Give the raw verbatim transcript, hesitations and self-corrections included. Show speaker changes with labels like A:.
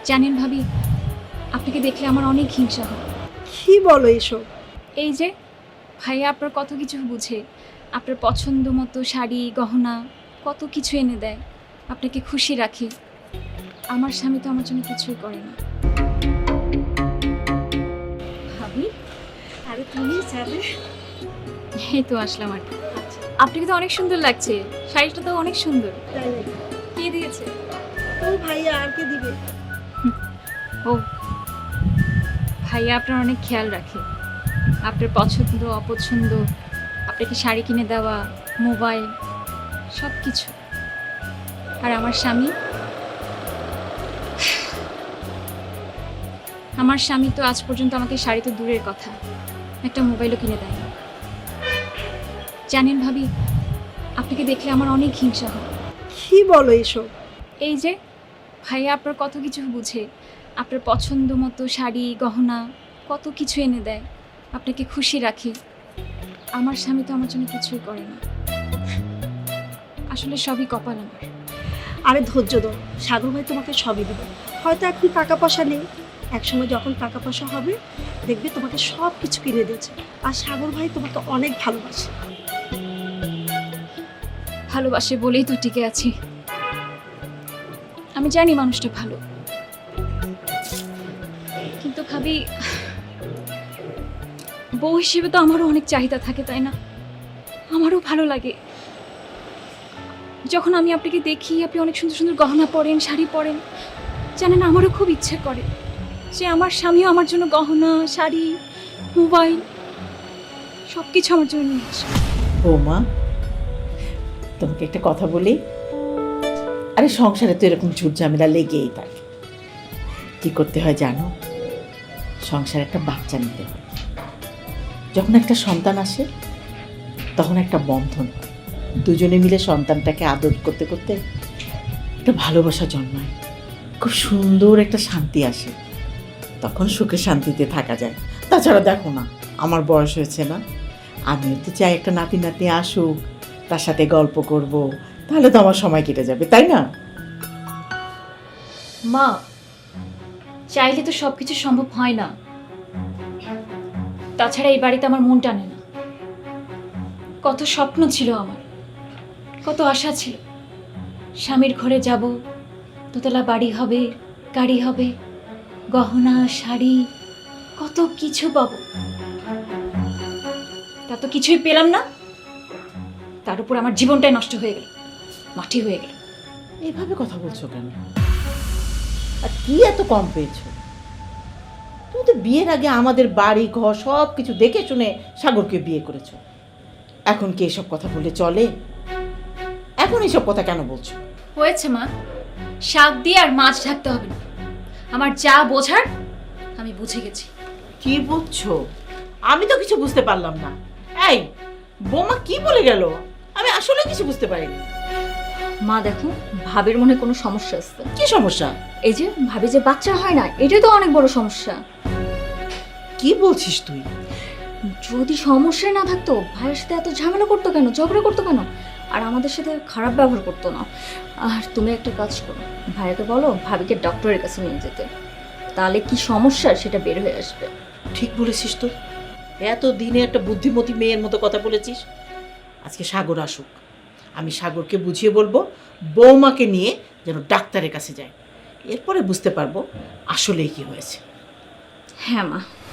A: জানেন ভাবি, আপনাকে দেখলে আমার অনেক হিংসা হয়।
B: কি বলো এসব?
A: এই যে ভাইয়া আপনার কত কিছু বুঝে, আপনার পছন্দ মতো শাড়ি গহনা কত কিছু এনে দেয়, আপনাকে খুশি রাখে। আমার স্বামী তো আমার জন্য কিছুই করে না।
B: ভাবি, আরে তুমি যাবে?
A: এই তো আসলাম আর কি। আপনাকে তো অনেক সুন্দর লাগছে, শাড়িটা তো অনেক সুন্দর।
B: তাই নাকি?
A: কে দিয়েছে?
B: ও ভাইয়া, আর কে দিবে?
A: ও, ভাইয়া আপনার অনেক খেয়াল রাখে, আপনার পছন্দ অপছন্দ, আপনাকে শাড়ি কিনে দেওয়া, মোবাইল, সব কিছু। আর আমার স্বামী, আমার স্বামী তো আজ পর্যন্ত আমাকে শাড়ি তো দূরের কথা, একটা মোবাইলও কিনে দেয় না। জানেন ভাবি, আপনাকে দেখলে আমার অনেক হিংসা হয়।
B: কি বলো এসব?
A: এই যে ভাইয়া আপনার কত কিছু বুঝে, আপনার পছন্দ মতো শাড়ি গহনা কত কিছু এনে দেয়, আপনাকে খুশি রাখে। আমার স্বামী তো আমার জন্য কিছুই করে না। আসলে সবই কপাল আমার।
B: আরে ধৈর্য ধরো, সাগর ভাই তোমাকে সবই দেবে। হয়তো এখন টাকা পয়সা নেই, একসময় যখন টাকা পয়সা হবে দেখবে তোমাকে সব কিছু কিনে দিয়েছে। আর সাগর ভাই তোমাকে অনেক ভালোবাসে।
A: ভালোবাসে বলেই তো টিকে আছি। আমি জানি মানুষটা ভালো, কিন্তু ভাবি বউ হিসেবে তো আমারও অনেক চাহিদা থাকে, তাই না? আমারও ভালো লাগে যখন আমি আপনাকে দেখি, আপনি অনেক সুন্দর সুন্দর গহনা পরেন, শাড়ি পরেন। জানেন, আমারও খুব ইচ্ছে করে যে আমার স্বামীও আমার জন্য গহনা, শাড়ি, মোবাইল সব কিছু আমার জন্য নিয়ে আসে।
C: বৌমা, তোমাকে একটা কথা বলি। আরে সংসারে তো এরকম ঝুট ঝামেলা লেগেই থাকে। কি করতে হয় জানো? সংসারে একটা বাচ্চা নিতে হয়। যখন একটা সন্তান আসে তখন একটা বন্ধন হয়। দুজনে মিলে সন্তানটাকে আদর করতে করতে একটা ভালোবাসা জন্মায়, খুব সুন্দর একটা শান্তি আসে। তখন সুখে শান্তিতে থাকা যায়। তাছাড়া দেখো না, আমার বয়স হয়েছে না, আমিও তো চাই একটা নাতি নাতনি আসুক, তার সাথে গল্প করব, তাহলে তো আমার সময় কেটে যাবে, তাই না?
A: মা, চাইলে তো সবকিছু সম্ভব হয় না। তাছাড়া এই বাড়িতে আমার মন টানে না। কত স্বপ্ন ছিল আমার, কত আশা ছিল। স্বামীর ঘরে যাব, দোতলা বাড়ি হবে, গাড়ি হবে, গহনা শাড়ি কত কিছু পাবো। তা তো কিছুই পেলাম না। তার উপর আমার জীবনটাই নষ্ট হয়ে গেল, মাটি হয়ে গেল।
C: এইভাবে কথা বলছো কেন? আর কি এত কম পেয়েছো? তুমি তো বিয়ের আগে আমাদের বাড়ি ঘর সব কিছু দেখে শুনে সাগরকে বিয়ে করেছো। এখন কি এসব কথা বলে চলে? এখন এসব কথা কেন বলছো?
A: হয়েছে মা, শাক দিয়ে আর মাছ ঢাকতে হবে না। আমার যা বোঝার আমি বুঝে গেছি।
C: কি বুঝছো? আমি তো কিছু বুঝতে পারলাম না। এই বৌমা কি বলে গেল? আমি আসলে কিছু বুঝতে পারিনি।
D: মা দেখো, ভাবির মনে কোনো সমস্যা আছে।
C: কি সমস্যা?
D: এই যে ভাবি যে বাচ্চা হয় না, এটাই তো অনেক বড় সমস্যা।
C: কি বলছিস তুই?
D: যদি সমস্যা না থাকতো ভাইয়ের সাথে এত ঝামেলা করতো কেন, ঝগড়া করতো কেন, আর আমাদের সাথে খারাপ ব্যবহার করতো না। আর তুমি একটা কাজ করো, ভাইয়াকে বলো ভাবিকে ডক্টরের কাছে নিয়ে যেতে, তাহলে কি সমস্যা সেটা বের হয়ে আসবে।
C: ঠিক বলেছিস তো, এত দিনে একটা বুদ্ধিমতী মেয়ের মতো কথা বলেছিস। আজকে সাগর আসুক, আমি সাগরকে বুঝিয়ে বলবো বৌমাকে নিয়ে যেন ডাক্তারের কাছে যায়। এরপরে বুঝতে পারবো আসলেই কি হয়েছে।
D: হ্যাঁ মা।